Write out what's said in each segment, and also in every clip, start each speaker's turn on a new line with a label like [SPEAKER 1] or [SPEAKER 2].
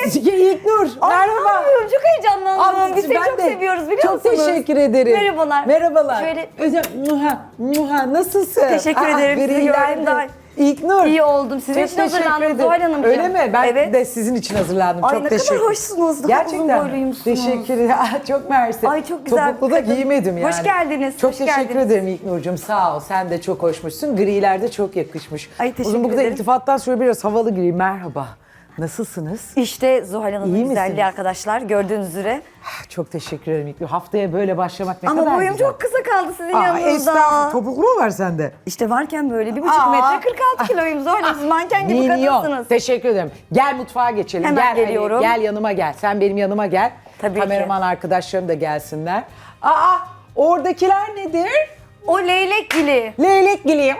[SPEAKER 1] İlknur, merhaba.
[SPEAKER 2] Anlıyorum, çok heyecanlandım. Biz seni
[SPEAKER 1] Ben
[SPEAKER 2] çok
[SPEAKER 1] de
[SPEAKER 2] seviyoruz biliyor
[SPEAKER 1] çok
[SPEAKER 2] musunuz?
[SPEAKER 1] Çok teşekkür ederim.
[SPEAKER 2] Merhabalar.
[SPEAKER 1] Merhabalar.
[SPEAKER 2] Şöyle...
[SPEAKER 1] Nasılsın?
[SPEAKER 2] Teşekkür ederim. Sizi
[SPEAKER 1] griler
[SPEAKER 2] gördüm daha.
[SPEAKER 1] İlknur.
[SPEAKER 2] İyi oldum. Sizin için hazırlandım Zuhal Hanımcığım.
[SPEAKER 1] Öyle mi? Ben
[SPEAKER 2] evet.
[SPEAKER 1] de sizin için hazırlandım.
[SPEAKER 2] Ay
[SPEAKER 1] çok
[SPEAKER 2] ne
[SPEAKER 1] teşekkür
[SPEAKER 2] kadar hoşsunuz. Daha uzun boyluyumsunuz.
[SPEAKER 1] Teşekkür ederim. Çok mersi.
[SPEAKER 2] Ay çok güzel.
[SPEAKER 1] Topuklu da giymedim yani.
[SPEAKER 2] Hoş geldiniz.
[SPEAKER 1] Çok
[SPEAKER 2] hoş
[SPEAKER 1] teşekkür
[SPEAKER 2] geldiniz.
[SPEAKER 1] ederim İlknur'cum. Sağ ol. Sen de çok hoşmuşsun. Griler de çok yakışmış.
[SPEAKER 2] Ay teşekkür
[SPEAKER 1] Uzun bu kadar
[SPEAKER 2] ederim.
[SPEAKER 1] iltifattan sonra biraz havalı gri. Merhaba. Nasılsınız?
[SPEAKER 2] İşte Zuhal Hanım'ın
[SPEAKER 1] İyi
[SPEAKER 2] güzelliği
[SPEAKER 1] misiniz?
[SPEAKER 2] arkadaşlar gördüğünüz üzere.
[SPEAKER 1] Çok teşekkür ederim İlknur. Haftaya böyle başlamak ne
[SPEAKER 2] Ama
[SPEAKER 1] kadar
[SPEAKER 2] boyum
[SPEAKER 1] güzel.
[SPEAKER 2] çok kısa kaldı sizin
[SPEAKER 1] Aa,
[SPEAKER 2] yanınızda.
[SPEAKER 1] estağfurullah. Topuklu mu var sende?
[SPEAKER 2] İşte varken böyle 1,5
[SPEAKER 1] Aa.
[SPEAKER 2] metre 46 kiloyum Zuhal Hanım. Siz manken gibi
[SPEAKER 1] Minyon.
[SPEAKER 2] kadınsınız.
[SPEAKER 1] Teşekkür ederim. Gel mutfağa geçelim.
[SPEAKER 2] Hemen
[SPEAKER 1] Gel,
[SPEAKER 2] geliyorum.
[SPEAKER 1] Gel yanıma gel. Sen benim yanıma gel.
[SPEAKER 2] Tabii ki.
[SPEAKER 1] Kameraman arkadaşlarım da gelsinler. Aa, oradakiler nedir?
[SPEAKER 2] O leylek gili.
[SPEAKER 1] Leylek giliği.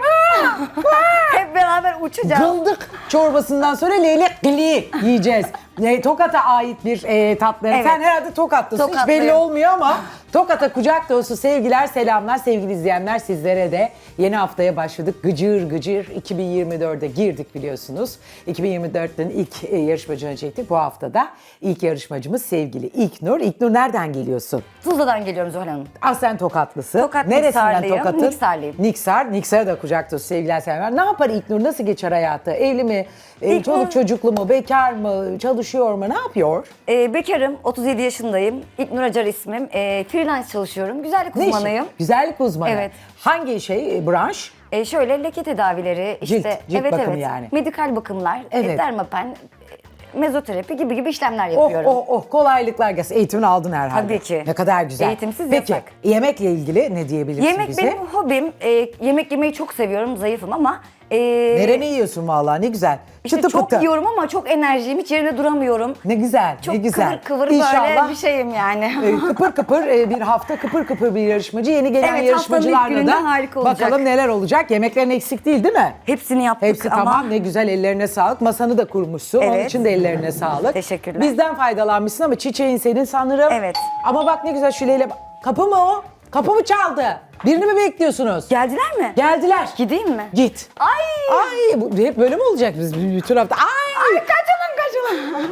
[SPEAKER 2] Hep beraber uçacağız.
[SPEAKER 1] Gıldık çorbasından sonra leylek giliği yiyeceğiz. Tokat'a ait bir tatlı.
[SPEAKER 2] Evet.
[SPEAKER 1] Sen herhalde Tokatlısın. Hiç
[SPEAKER 2] Tokatlıyım.
[SPEAKER 1] belli olmuyor ama Tokat'a kucak dolusu sevgiler, selamlar sevgili izleyenler sizlere de. Yeni haftaya başladık. Gıcır gıcır 2024'e girdik biliyorsunuz. 2024'ten ilk yarışmacını çektik. Bu haftada ilk yarışmacımız sevgili İlknur. İlknur nereden geliyorsun?
[SPEAKER 2] Tuzla'dan geliyorum Zuhal Hanım.
[SPEAKER 1] Aslen Tokatlısın.
[SPEAKER 2] Tokat,
[SPEAKER 1] Neresinden
[SPEAKER 2] Niksarlıyım.
[SPEAKER 1] Tokat'ın?
[SPEAKER 2] Niksarlıyım.
[SPEAKER 1] Niksar'a da kucak dolusu sevgiler selamlar. Ne yapar İlknur? Nasıl geçer hayatı? Evli mi?
[SPEAKER 2] İlknur-
[SPEAKER 1] Çoluk çocuklu mu? Bekar mı? Çalışıyor mu? Ne yapıyor?
[SPEAKER 2] Bekarım, 37 yaşındayım. İlknur Acar ismim. Freelance çalışıyorum. Güzellik
[SPEAKER 1] Ne işi?
[SPEAKER 2] uzmanıyım.
[SPEAKER 1] Güzellik uzmanı.
[SPEAKER 2] Evet.
[SPEAKER 1] Hangi branş?
[SPEAKER 2] Şöyle leke tedavileri, işte
[SPEAKER 1] cilt bakımı yani.
[SPEAKER 2] medikal bakımlar,
[SPEAKER 1] Evet.
[SPEAKER 2] dermapen, mezoterapi gibi işlemler
[SPEAKER 1] Oh
[SPEAKER 2] yapıyorum.
[SPEAKER 1] oh oh kolaylıklar gelsin. Eğitimini aldın herhalde.
[SPEAKER 2] Tabii ki.
[SPEAKER 1] Ne kadar güzel.
[SPEAKER 2] Eğitimsiz
[SPEAKER 1] Peki,
[SPEAKER 2] yasak.
[SPEAKER 1] yemekle ilgili ne diyebilirsin
[SPEAKER 2] Yemek
[SPEAKER 1] bize?
[SPEAKER 2] benim hobim. Yemek yemeyi çok seviyorum, zayıfım ama...
[SPEAKER 1] Nereni yiyorsun vallahi ne güzel.
[SPEAKER 2] İşte
[SPEAKER 1] Çıtı
[SPEAKER 2] çok
[SPEAKER 1] pıtı.
[SPEAKER 2] yiyorum ama çok enerjiyim, hiç yerine duramıyorum.
[SPEAKER 1] Ne güzel,
[SPEAKER 2] Çok
[SPEAKER 1] ne güzel.
[SPEAKER 2] kıvır
[SPEAKER 1] İnşallah,
[SPEAKER 2] böyle bir şeyim yani.
[SPEAKER 1] kıpır kıpır bir hafta kıpır kıpır bir yarışmacı. Yeni gelen
[SPEAKER 2] Evet,
[SPEAKER 1] yarışmacılarla
[SPEAKER 2] haftanın ilk
[SPEAKER 1] da
[SPEAKER 2] gününde harika olacak.
[SPEAKER 1] bakalım neler olacak. Yemeklerin eksik değil değil mi?
[SPEAKER 2] Hepsini yaptık
[SPEAKER 1] Hepsi
[SPEAKER 2] ama...
[SPEAKER 1] tamam ne güzel ellerine sağlık. Masanı da kurmuşsun. Onun
[SPEAKER 2] Evet.
[SPEAKER 1] için de ellerine sağlık.
[SPEAKER 2] Teşekkürler.
[SPEAKER 1] Bizden faydalanmışsın ama çiçeğin senin sanırım.
[SPEAKER 2] Evet.
[SPEAKER 1] Ama bak ne güzel şuleyle... Kapı mı o? Kapı mı çaldı? Birini mi bekliyorsunuz?
[SPEAKER 2] Geldiler mi?
[SPEAKER 1] Geldiler.
[SPEAKER 2] Gideyim mi?
[SPEAKER 1] Git.
[SPEAKER 2] Ay!
[SPEAKER 1] Ay bu hep böyle mi olacak biz bütün hafta? Ay!
[SPEAKER 2] Kaçalım.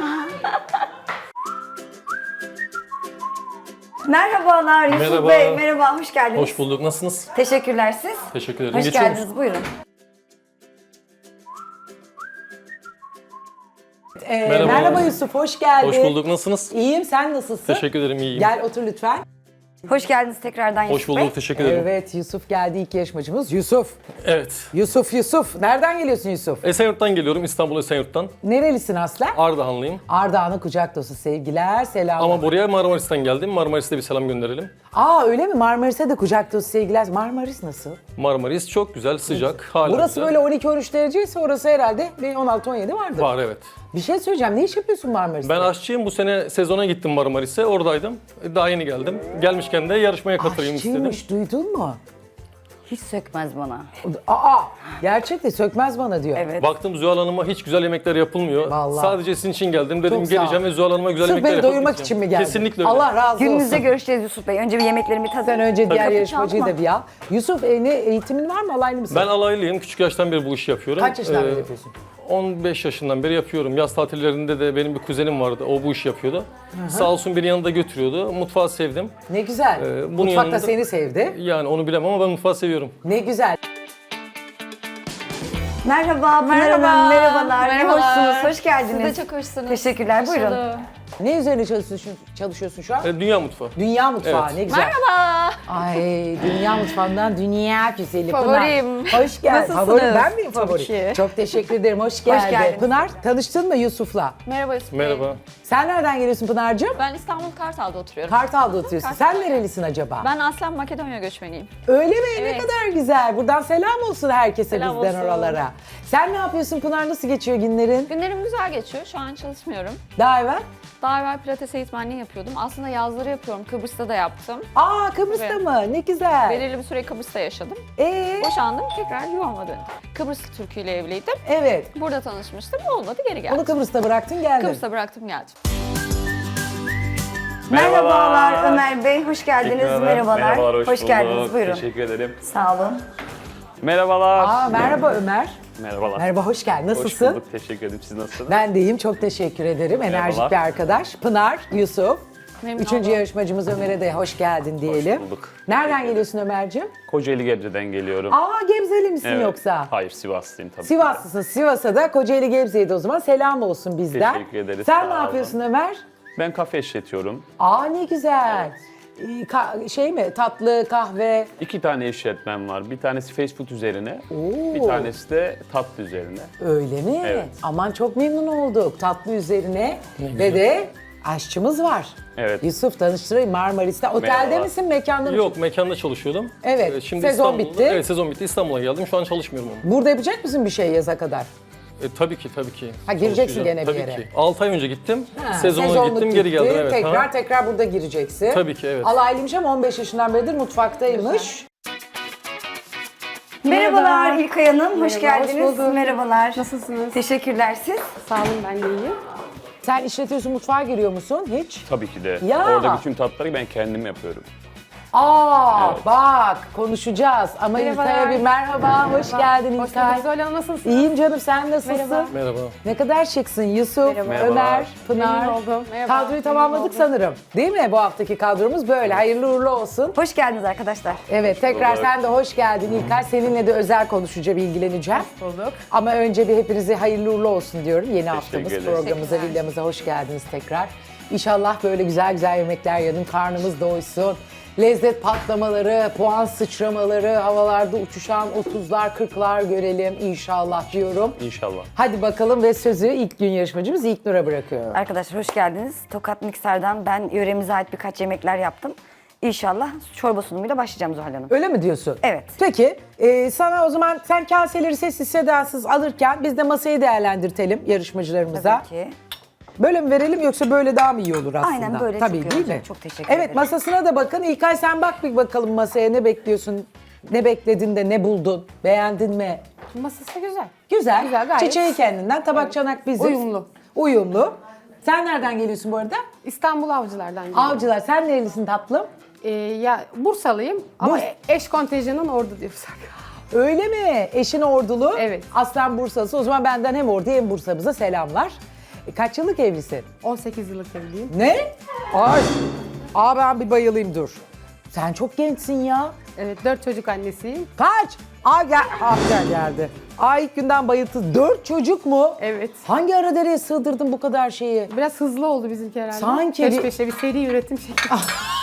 [SPEAKER 2] Merhabalar Yusuf
[SPEAKER 3] Merhaba.
[SPEAKER 2] Bey. Merhaba, hoş geldiniz.
[SPEAKER 3] Hoş bulduk. Nasılsınız?
[SPEAKER 2] Teşekkürler siz.
[SPEAKER 3] Teşekkür ederim.
[SPEAKER 2] Hoş
[SPEAKER 3] Geçiyor
[SPEAKER 2] geldiniz,
[SPEAKER 3] musun?
[SPEAKER 2] buyurun.
[SPEAKER 3] Merhaba.
[SPEAKER 1] Merhaba Yusuf, hoş geldin.
[SPEAKER 3] Hoş bulduk. Nasılsınız?
[SPEAKER 1] İyiyim, sen nasılsın?
[SPEAKER 3] Teşekkür ederim. İyiyim.
[SPEAKER 1] Gel otur lütfen.
[SPEAKER 2] Hoş geldiniz tekrardan
[SPEAKER 3] Hoş
[SPEAKER 2] Yusuf
[SPEAKER 3] bulduk.
[SPEAKER 2] Bey.
[SPEAKER 3] Teşekkür ederim.
[SPEAKER 1] Evet, Yusuf geldi ilk yarışmacımız. Yusuf.
[SPEAKER 3] Evet.
[SPEAKER 1] Yusuf. Nereden geliyorsun Yusuf?
[SPEAKER 3] Esenyurt'tan geliyorum. İstanbul Esenyurt'tan.
[SPEAKER 1] Nerelisin aslen?
[SPEAKER 3] Ardahanlıyım.
[SPEAKER 1] Ardahan'a kucak dolusu sevgiler, selamlar.
[SPEAKER 3] Ama buraya Marmaris'ten geldim. Marmaris'te bir selam gönderelim.
[SPEAKER 1] Aa öyle mi? Marmaris'e de kucak dolusu sevgiler. Marmaris nasıl?
[SPEAKER 3] Marmaris çok güzel, sıcak. Hala
[SPEAKER 1] Burası
[SPEAKER 3] güzel.
[SPEAKER 1] böyle 12-13 dereceyse orası herhalde bir 16-17 vardır.
[SPEAKER 3] Var evet.
[SPEAKER 1] Bir şey söyleyeceğim. Ne iş yapıyorsun Marmaris'te?
[SPEAKER 3] Ben aşçıyım. Bu sene sezona gittim Marmaris'e. Oradaydım. Daha yeni geldim. Gelmişken de yarışmaya katılayım istedim.
[SPEAKER 1] Aşçıymış, duydun mu?
[SPEAKER 2] Hiç sökmez bana.
[SPEAKER 1] Aa, gerçekten sökmez bana diyor.
[SPEAKER 2] Evet.
[SPEAKER 3] Baktım Zuhal Hanım'a hiç güzel yemekler yapılmıyor.
[SPEAKER 1] Vallahi.
[SPEAKER 3] Sadece sizin için geldim. Dedim
[SPEAKER 1] Çok sağ ol.
[SPEAKER 3] geleceğim ve Zuhal Hanım'a güzel
[SPEAKER 1] Sırf
[SPEAKER 3] yemekler
[SPEAKER 1] beni
[SPEAKER 3] yapıp
[SPEAKER 1] doyurmak
[SPEAKER 3] gideceğim.
[SPEAKER 1] için mi geldin?
[SPEAKER 3] Kesinlikle öyle.
[SPEAKER 1] Allah razı olsun.
[SPEAKER 2] Gününüzde görüşeceğiz Yusuf Bey. Önce bir yemeklerimi
[SPEAKER 1] Sen
[SPEAKER 2] tadın.
[SPEAKER 1] önce diğer
[SPEAKER 2] Kapı
[SPEAKER 1] yarışmacıyı
[SPEAKER 2] çalma.
[SPEAKER 1] da bir al. Yusuf ne eğitimin var mı? Alaylı mısın?
[SPEAKER 3] Ben alaylıyım. Küçük yaştan beri bu işi yapıyorum.
[SPEAKER 1] Kaç yaşından beri yapıyorsun?
[SPEAKER 3] 15 yaşından beri yapıyorum. Yaz tatillerinde de benim bir kuzenim vardı. O bu işi yapıyordu. Sağ olsun beni yanında götürüyordu. Mutfağı sevdim.
[SPEAKER 1] Ne güzel.
[SPEAKER 3] bunun
[SPEAKER 1] Mutfakta
[SPEAKER 3] yanında-
[SPEAKER 1] seni sevdi.
[SPEAKER 3] Yani onu bilemem ama ben mutfağı seviyorum.
[SPEAKER 1] Ne güzel.
[SPEAKER 2] Merhaba,
[SPEAKER 4] Merhaba.
[SPEAKER 2] merhabalar. Ne
[SPEAKER 4] Merhabalar.
[SPEAKER 2] hoşsunuz, hoş geldiniz.
[SPEAKER 4] Siz de çok hoşsunuz.
[SPEAKER 2] Teşekkürler,
[SPEAKER 4] Hoş
[SPEAKER 2] buyurun.
[SPEAKER 4] bulduk.
[SPEAKER 1] Ne üzerine çalışıyorsun şu an?
[SPEAKER 3] Dünya mutfağı.
[SPEAKER 1] Dünya mutfağı.
[SPEAKER 3] Evet.
[SPEAKER 1] Ne güzel.
[SPEAKER 4] Merhaba.
[SPEAKER 1] Ay dünya mutfağından dünya güzeli
[SPEAKER 4] Favorim.
[SPEAKER 1] Pınar. Hoş geldin.
[SPEAKER 4] Nasılsınız?
[SPEAKER 1] Favorim ben miyim
[SPEAKER 4] Tabii
[SPEAKER 1] favori?
[SPEAKER 4] ki.
[SPEAKER 1] Çok teşekkür ederim. Hoş geldin.
[SPEAKER 2] geldiniz.
[SPEAKER 1] Pınar tanıştın mı Yusuf'la?
[SPEAKER 4] Merhaba Yusuf Bey.
[SPEAKER 3] Merhaba.
[SPEAKER 1] Sen nereden geliyorsun Pınar'cığım?
[SPEAKER 4] Ben İstanbul Kartal'da oturuyorum.
[SPEAKER 1] Kartal'da oturuyorsun.
[SPEAKER 4] Kartal.
[SPEAKER 1] Sen nerelisin acaba?
[SPEAKER 4] Ben aslen Makedonya göçmeniyim.
[SPEAKER 1] Öyle mi? Ne
[SPEAKER 4] Evet.
[SPEAKER 1] kadar güzel. Buradan selam olsun herkese
[SPEAKER 4] Selam
[SPEAKER 1] bizden
[SPEAKER 4] olsun.
[SPEAKER 1] oralara. Sen ne yapıyorsun Pınar? Nasıl geçiyor günlerin?
[SPEAKER 4] Günlerim güzel geçiyor. Şu an çalışmıyorum.
[SPEAKER 1] Daha evvel?
[SPEAKER 4] Daha evvel pilates eğitmenliği yapıyordum. Aslında yazları yapıyorum. Kıbrıs'ta da yaptım.
[SPEAKER 1] Aa Kıbrıs'ta
[SPEAKER 4] Tabii.
[SPEAKER 1] mı? Ne güzel.
[SPEAKER 4] Belirli bir süre Kıbrıs'ta yaşadım.
[SPEAKER 1] Boşandım.
[SPEAKER 4] Boşandım. Tekrar yuvama döndüm. Kıbrıslı Türk'ü ile evliydim.
[SPEAKER 1] Evet.
[SPEAKER 4] Burada tanışmıştım. Olmadı, geri geldim.
[SPEAKER 1] Onu Kıbrıs'ta bıraktın geldin.
[SPEAKER 4] Kıbrıs'ta bıraktım, geldim.
[SPEAKER 2] Merhabalar Ömer Bey, hoş geldiniz.
[SPEAKER 5] Merhabalar, hoş bulduk.
[SPEAKER 2] geldiniz, buyurun.
[SPEAKER 5] Teşekkür ederim.
[SPEAKER 2] Sağ olun.
[SPEAKER 5] Merhabalar.
[SPEAKER 1] Aa merhaba Ömer.
[SPEAKER 5] Merhabalar.
[SPEAKER 1] Merhaba, hoş geldin.
[SPEAKER 5] Hoş
[SPEAKER 1] Nasılsın?
[SPEAKER 5] bulduk. Teşekkür ederim. Siz nasılsınız?
[SPEAKER 1] Ben de iyiyim, çok teşekkür ederim. Enerjik
[SPEAKER 5] Merhabalar.
[SPEAKER 1] bir arkadaş. Pınar, Yusuf.
[SPEAKER 4] Memnun
[SPEAKER 1] Üçüncü
[SPEAKER 4] oldum.
[SPEAKER 1] yarışmacımız Ömer'e de hoş geldin diyelim.
[SPEAKER 5] bulduk.
[SPEAKER 1] Nereden geliyorsun Ömer'ciğim?
[SPEAKER 5] Kocaeli Gebze'den geliyorum.
[SPEAKER 1] Aa, Gebzeli misin
[SPEAKER 5] Evet.
[SPEAKER 1] yoksa?
[SPEAKER 5] Hayır, Sivaslıyım tabii.
[SPEAKER 1] Sivaslısın. Sivas'a da Kocaeli Gebze'ye de o zaman selam olsun bizden.
[SPEAKER 5] Teşekkür ederiz,
[SPEAKER 1] Sen
[SPEAKER 5] sağ
[SPEAKER 1] ne
[SPEAKER 5] olun.
[SPEAKER 1] yapıyorsun Ömer?
[SPEAKER 5] Ben kafe işletiyorum.
[SPEAKER 1] Aa, ne güzel. Şey mi? Tatlı, kahve.
[SPEAKER 5] 2 tane işletmem var. Bir tanesi fast food üzerine,
[SPEAKER 1] Oo.
[SPEAKER 5] bir tanesi de tatlı üzerine.
[SPEAKER 1] Öyle mi?
[SPEAKER 5] Evet.
[SPEAKER 1] Aman çok memnun olduk. Tatlı üzerine ve de aşçımız var.
[SPEAKER 5] Evet.
[SPEAKER 1] Yusuf, tanıştırayım, Marmaris'te. Otelde
[SPEAKER 5] Merhaba.
[SPEAKER 1] misin, mekanda mısın?
[SPEAKER 3] Yok, mekanda çalışıyordum.
[SPEAKER 1] Evet,
[SPEAKER 3] Şimdi
[SPEAKER 1] sezon
[SPEAKER 3] İstanbul'da-
[SPEAKER 1] bitti.
[SPEAKER 3] Evet, sezon bitti. İstanbul'a geldim. Şu an çalışmıyorum ama.
[SPEAKER 1] Burada yapacak mısın bir şey yaza kadar?
[SPEAKER 3] Tabii ki, tabii ki.
[SPEAKER 1] Ha, gireceksin
[SPEAKER 3] Çalışacağım.
[SPEAKER 1] gene bir
[SPEAKER 3] Tabii
[SPEAKER 1] yere.
[SPEAKER 3] ki. 6 ay önce gittim.
[SPEAKER 1] Ha,
[SPEAKER 3] Sezona
[SPEAKER 1] sezonluk
[SPEAKER 3] gittim, geri
[SPEAKER 1] gitti.
[SPEAKER 3] geldim. Evet.
[SPEAKER 1] Tekrar
[SPEAKER 3] Ha.
[SPEAKER 1] tekrar burada gireceksin.
[SPEAKER 3] Tabii ki, evet.
[SPEAKER 1] Alaylıymış ama 15 yaşından beridir mutfaktaymış.
[SPEAKER 2] Merhabalar İlkay Hanım, hoş
[SPEAKER 6] Merhaba, hoş
[SPEAKER 2] geldiniz.
[SPEAKER 6] bulduk.
[SPEAKER 2] Merhabalar.
[SPEAKER 6] Nasılsınız?
[SPEAKER 2] Teşekkürler siz.
[SPEAKER 6] Sağ olun, ben de iyiyim.
[SPEAKER 1] Sen işletiyorsun, mutfağa giriyor musun hiç?
[SPEAKER 5] Tabii ki de.
[SPEAKER 1] Ya.
[SPEAKER 5] Orada bütün tatları ben kendim yapıyorum.
[SPEAKER 1] Aa,
[SPEAKER 5] Evet.
[SPEAKER 1] bak konuşacağız ama
[SPEAKER 6] Merhabalar.
[SPEAKER 1] İlkay'a bir merhaba, hoş geldin
[SPEAKER 6] Hoş
[SPEAKER 1] İlkay.
[SPEAKER 6] bulduk Zuhal Hanım, nasılsınız?
[SPEAKER 1] İyiyim canım, sen nasılsın?
[SPEAKER 6] Merhaba.
[SPEAKER 3] Merhaba.
[SPEAKER 1] Ne kadar şıksın Yusuf,
[SPEAKER 5] Merhaba.
[SPEAKER 1] Ömer, Pınar.
[SPEAKER 6] Memnun oldum. Merhaba.
[SPEAKER 1] Kadroyu
[SPEAKER 6] Memnun
[SPEAKER 1] tamamladık
[SPEAKER 6] oldum.
[SPEAKER 1] sanırım. Değil mi bu haftaki kadromuz böyle? Hayırlı uğurlu olsun.
[SPEAKER 2] Hoş geldiniz arkadaşlar.
[SPEAKER 1] Evet, tekrar
[SPEAKER 5] Olur.
[SPEAKER 1] sen de hoş geldin İlkay. Seninle de özel konuşacağım, ilgileneceğim.
[SPEAKER 6] Bulduk.
[SPEAKER 1] Ama önce bir hepinize hayırlı uğurlu olsun diyorum. Yeni haftamız,
[SPEAKER 5] ederiz.
[SPEAKER 1] programımıza, villamıza hoş geldiniz tekrar. İnşallah böyle güzel güzel yemekler yedin, karnımız doysun. Lezzet patlamaları, puan sıçramaları, havalarda uçuşan 30'lar 40'lar görelim inşallah diyorum.
[SPEAKER 5] İnşallah.
[SPEAKER 1] Hadi bakalım ve sözü ilk gün yarışmacımız İlknur'a bırakıyorum.
[SPEAKER 2] Arkadaşlar hoş geldiniz. Tokat Mikser'den ben yöremize ait birkaç yemekler yaptım. İnşallah çorba sunumuyla başlayacağım Zuhal Hanım.
[SPEAKER 1] Öyle mi diyorsun?
[SPEAKER 2] Evet.
[SPEAKER 1] Peki sana o zaman sen kaseleri sessiz sedasız alırken biz de masayı değerlendirtelim yarışmacılarımıza.
[SPEAKER 2] Tabii ki.
[SPEAKER 1] Böyle mi verelim yoksa böyle daha mı iyi olur aslında?
[SPEAKER 2] Aynen böyle
[SPEAKER 1] Tabii
[SPEAKER 2] çok iyi
[SPEAKER 1] değil
[SPEAKER 2] olacak.
[SPEAKER 1] mi?
[SPEAKER 2] Çok teşekkür
[SPEAKER 1] Evet
[SPEAKER 2] ederim.
[SPEAKER 1] masasına da bakın. İlkay sen bak bir bakalım masaya ne bekliyorsun? Ne bekledin de ne buldun? Beğendin mi?
[SPEAKER 6] Masası güzel.
[SPEAKER 1] Güzel.
[SPEAKER 6] Güzel, gayet.
[SPEAKER 1] Çiçeği kendinden, tabak çanak bizim.
[SPEAKER 6] Uyumlu.
[SPEAKER 1] Uyumlu. Sen nereden geliyorsun bu arada?
[SPEAKER 6] İstanbul Avcılar'dan geliyorum.
[SPEAKER 1] Avcılar. Sen nerelisin tatlım?
[SPEAKER 6] Ya Bursalıyım ama
[SPEAKER 1] Burs-
[SPEAKER 6] eş kontenjanın ordu diyorsak.
[SPEAKER 1] Öyle mi? Eşin ordulu.
[SPEAKER 6] Evet.
[SPEAKER 1] Aslen Bursalısı. O zaman benden hem ordu hem Bursa'mıza selamlar. Kaç yıllık evlisin?
[SPEAKER 6] 18 yıllık evliyim.
[SPEAKER 1] Ne? Ay. Aa ben bir bayılayım dur. Sen çok gençsin ya.
[SPEAKER 6] Evet, 4 çocuk annesiyim.
[SPEAKER 1] Kaç? Aa gel. Aa geldi. Aa ilk günden bayıldı. 4 çocuk mu?
[SPEAKER 6] Evet.
[SPEAKER 1] Hangi ara dereye sığdırdın bu kadar şeyi?
[SPEAKER 6] Biraz hızlı oldu bizimki herhalde.
[SPEAKER 1] Sanki
[SPEAKER 6] Peş
[SPEAKER 1] bir-
[SPEAKER 6] peşe bir seri üretim şekli.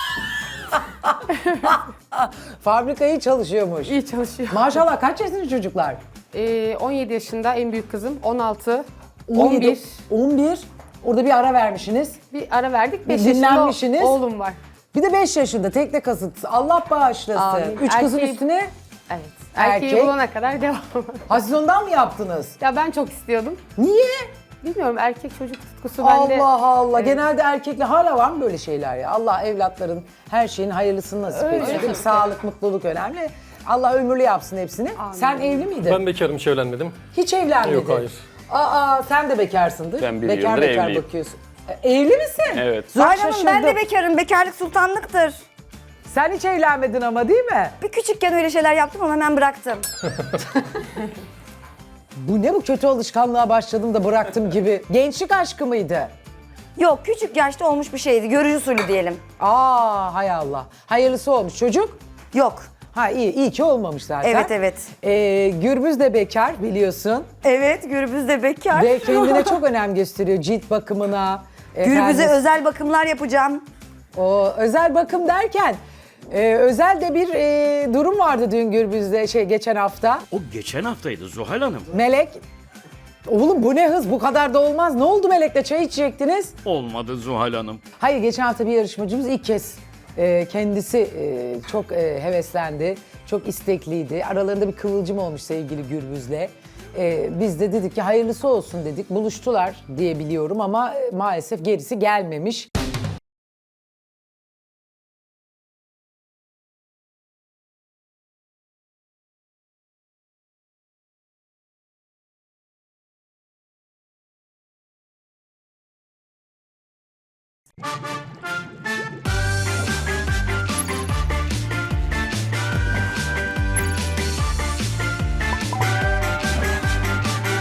[SPEAKER 1] Fabrikayı çalışıyormuş.
[SPEAKER 6] İyi çalışıyor.
[SPEAKER 1] Maşallah kaç yaşında çocuklar?
[SPEAKER 6] 17 yaşında en büyük kızım, 16,
[SPEAKER 1] 17,
[SPEAKER 6] 11.
[SPEAKER 1] 11. Orada bir ara vermişsiniz.
[SPEAKER 6] Bir ara verdik,
[SPEAKER 1] Bir
[SPEAKER 6] 5 yaşında
[SPEAKER 1] dinlenmişsiniz.
[SPEAKER 6] oğlum var.
[SPEAKER 1] Bir de 5 yaşında tekne kasıntısı. Allah bağışlasın.
[SPEAKER 6] Amin.
[SPEAKER 1] 3 kızın
[SPEAKER 6] Erkeği-
[SPEAKER 1] üstüne.
[SPEAKER 6] Evet.
[SPEAKER 1] Erkek.
[SPEAKER 6] Erkeği bulana kadar devam.
[SPEAKER 1] Ha siz ondan mı yaptınız?
[SPEAKER 6] Ya ben çok istiyordum.
[SPEAKER 1] Niye?
[SPEAKER 6] Bilmiyorum, erkek çocuk tutkusu bende.
[SPEAKER 1] Allah Allah.
[SPEAKER 6] Evet.
[SPEAKER 1] Genelde erkekle hala var mı böyle şeyler ya? Allah evlatların her şeyin hayırlısını nasip
[SPEAKER 6] Öyle
[SPEAKER 1] etsin. Değil mi?
[SPEAKER 6] tabii ki.
[SPEAKER 1] Sağlık, mutluluk önemli. Allah ömürlü yapsın hepsini. Sen evli miydin?
[SPEAKER 3] Ben bekarım, hiç evlenmedim.
[SPEAKER 1] Hiç evlenmedin.
[SPEAKER 3] Yok, hayır.
[SPEAKER 1] Aa sen de bekarsındır.
[SPEAKER 5] Ben bir
[SPEAKER 1] bekar
[SPEAKER 5] yıldır
[SPEAKER 1] bekar
[SPEAKER 5] evliyim.
[SPEAKER 1] bakıyorsun. Evli misin?
[SPEAKER 5] Evet.
[SPEAKER 1] Zor
[SPEAKER 2] Zuhal Hanım ben de
[SPEAKER 1] şaşırdım.
[SPEAKER 2] bekarım. Bekarlık sultanlıktır.
[SPEAKER 1] Sen hiç evlenmedin ama değil mi?
[SPEAKER 2] Bir küçükken öyle şeyler yaptım ama hemen bıraktım.
[SPEAKER 1] Bu ne bu kötü alışkanlığa başladım da bıraktım gibi. Gençlik aşkı mıydı?
[SPEAKER 2] Yok, küçük yaşta olmuş bir şeydi. Görücü usulü diyelim.
[SPEAKER 1] Aa hay Allah. Hayırlısı olmuş çocuk.
[SPEAKER 2] Yok.
[SPEAKER 1] Ha iyi ki olmamış zaten.
[SPEAKER 2] Evet, evet.
[SPEAKER 1] Gürbüz de bekar biliyorsun.
[SPEAKER 2] Evet, Gürbüz de bekar.
[SPEAKER 1] Ve kendine çok önem gösteriyor cilt bakımına.
[SPEAKER 2] Gürbüz'e
[SPEAKER 1] efendim,
[SPEAKER 2] özel bakımlar yapacağım.
[SPEAKER 1] o özel bakım derken özel de bir durum vardı dün Gürbüz'de geçen hafta.
[SPEAKER 7] O geçen haftaydı Zuhal Hanım.
[SPEAKER 1] Melek, oğlum bu ne hız bu kadar da olmaz. Ne oldu Melek'le çay içecektiniz?
[SPEAKER 7] Olmadı Zuhal Hanım.
[SPEAKER 1] Hayır geçen hafta bir yarışmacımız ilk kez kendisi çok heveslendi. Çok istekliydi. Aralarında bir kıvılcım olmuş sevgili Gürbüz'le. Biz de dedik ki hayırlısı olsun dedik. Buluştular diye biliyorum ama maalesef gerisi gelmemiş.